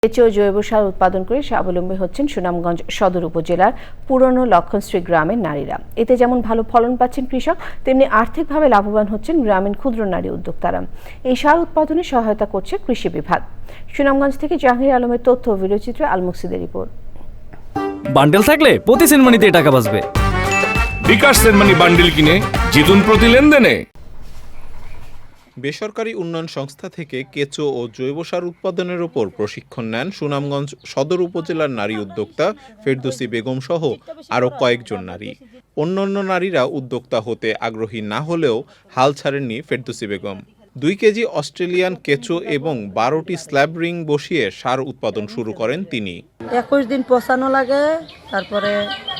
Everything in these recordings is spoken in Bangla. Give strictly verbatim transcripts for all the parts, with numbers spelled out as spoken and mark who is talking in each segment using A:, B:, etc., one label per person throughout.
A: কেঁচো জৈব সার উৎপাদন করে স্বাবলম্বী হচ্ছেন সুনামগঞ্জ সদর উপজেলার পুরনো লক্ষণশ্রী গ্রামের নারীরা। এতে যেমন ভালো ফলন পাচ্ছেন কৃষক, তেমনি আর্থিকভাবে লাভবান হচ্ছেন গ্রামীণ ক্ষুদ্র নারী উদ্যোক্তারা। এই সার উৎপাদনে সহায়তা করছে কৃষি বিভাগ। সুনামগঞ্জ থেকে জাহাঙ্গীর আলমের তথ্য ও ভিডিওচিত্রে আল মুকসিদের রিপোর্ট।
B: বান্ডেল থাকলে প্রতি সেনমানিতে টাকা বাঁচবে।
C: বিকাশ সেনমানি বান্ডেল কিনে জিতুন প্রতি লেনদেনে।
D: বেসরকারি উন্নয়ন সংস্থা থেকে কেঁচো ও জৈব সার উৎপাদনের ওপর প্রশিক্ষণ নেন সুনামগঞ্জ সদর উপজেলার নারী উদ্যোক্তা ফেরদৌসী বেগম সহ আরও কয়েকজন নারী। অন্যান্য নারীরা উদ্যোক্তা হতে আগ্রহী না হলেও হাল ছাড়েননি ফেরদৌসী বেগম। দুই কেজি অস্ট্রেলিয়ান কেঁচো এবং বারোটি স্ল্যাব রিং বসিয়ে সার উৎপাদন শুরু করেন তিনি।
E: একুশ দিন পচানো লাগে, তারপরে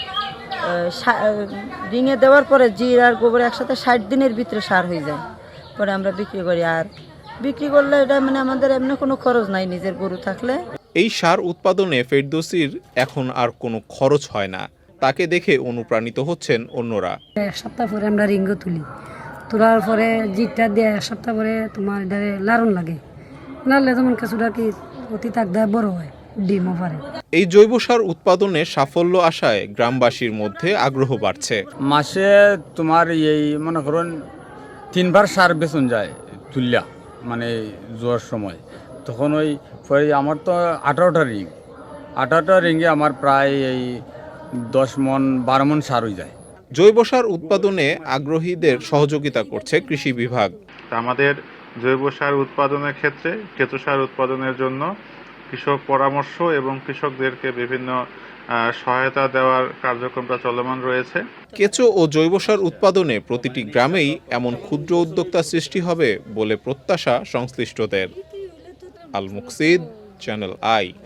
E: রিঙে দেওয়ার পরে জির আর গোবর একসাথে ষাট দিনের ভিতরে সার হয়ে যায়। পরে আমরা বিক্রি করি, আর বিক্রি করলে এটা মানে আমাদের এমনি কোনো খরচ নাই নিজের গরু থাকলে।
D: এই সার উৎপাদনে ফেরদৌসীর এখন আর কোনো খরচ হয় না। তাকে দেখে অনুপ্রাণিত হচ্ছেন অন্যরা।
F: এক সপ্তাহ পরে আমরা রিঙ্গ তুলি, তোলার পরে জিটটা দিয়ে এক সপ্তাহ পরে তোমার এটা লারণ লাগে, লাড়লে যেমন কিছুটা কি অতি তাক দেয় বড় হয়, ডিমও পারে।
D: এই জৈব সার উৎপাদনে সাফল্য আশায় গ্রামবাসীর মধ্যে আগ্রহ বাড়ছে।
G: মাসে তোমার এই মনে করুন তিনবার সার বেচন যায় তুলিয়া, মানে জোয়ার সময়। তখন ওই পরে আমার তো আঠারোটা রিং আঠারোটা রিঙ্গে আমার প্রায় এই দশ মন বারো মন সার হয়ে যায়।
D: জৈব সার উৎপাদনে আগ্রহীদের সহযোগিতা করছে কৃষি বিভাগ।
H: আমাদের জৈব সার উৎপাদনের ক্ষেত্রে কেঁচো সার উৎপাদনের জন্য কৃষক পরামর্শ এবং কৃষকদেরকে বিভিন্ন সহায়তা দেওয়ার কার্যক্রমটা চলমান রয়েছে।
D: কেঁচো ও জৈব সার উৎপাদনে প্রতিটি গ্রামেই এমন ক্ষুদ্র উদ্যোক্তা সৃষ্টি হবে বলে প্রত্যাশা সংশ্লিষ্টদের। Al Muksid, Channel I.